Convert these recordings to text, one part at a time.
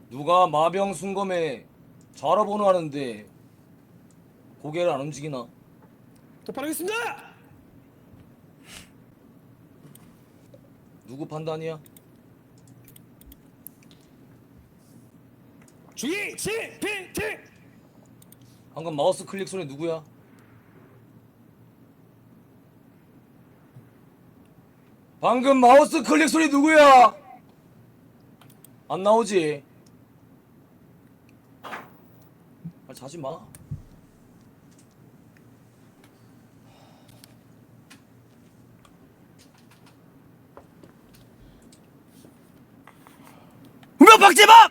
누가 마병 순검에 자라보노 하는데 고개를 안 움직이나? 도파하겠습니다. 누구 판단이야? 주의 CPT. 방금 마우스 클릭 소리 누구야? 방금 마우스 클릭 소리 누구야? 안 나오지? 아, 자지 마. 분명 박재박!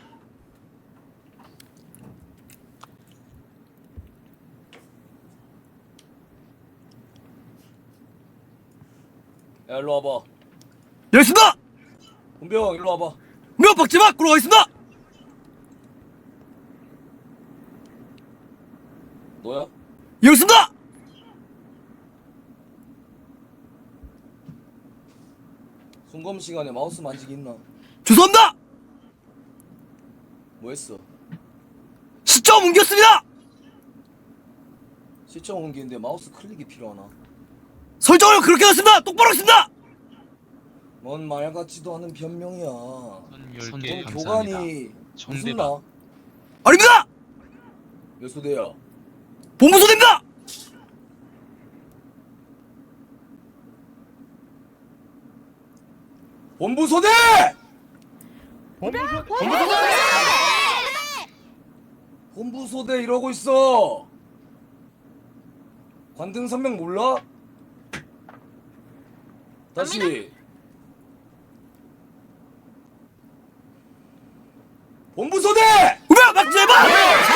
야, 일로 와봐. 열습니다! 훈병, 일로 와봐. 분명 박재박! 끌어가겠습니다! 너야? 열습니다! 순검 시간에 마우스 만지기 있나? 죄송합니다! 뭐 했어? 시점 옮겼습니다! 시청 옮기는데 마우스 클릭이 필요하나? 설정을 그렇게 했습니다! 똑바로 했습니다! 뭔 말 같지도 않은 변명이야. 선 넌 10개 감사합니다. 교관이 무슨 정대박. 나? 아닙니다! 몇 소대야? 본부소대입니다! 본부소대! 본부소대 이러고 있어. 관등 선명 몰라? 다시. 본부소대! 분명 박재박!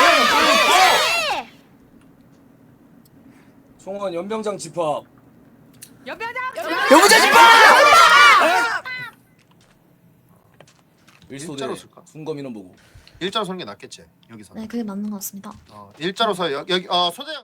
총원 연병장 집합. 여부자 집합! 일소대 일자로 쓸까? 순검 인원 보고. 일자로 서는 게 낫겠지 여기서. 네, 그게 맞는 것 같습니다. 일자로 서 여기 소대.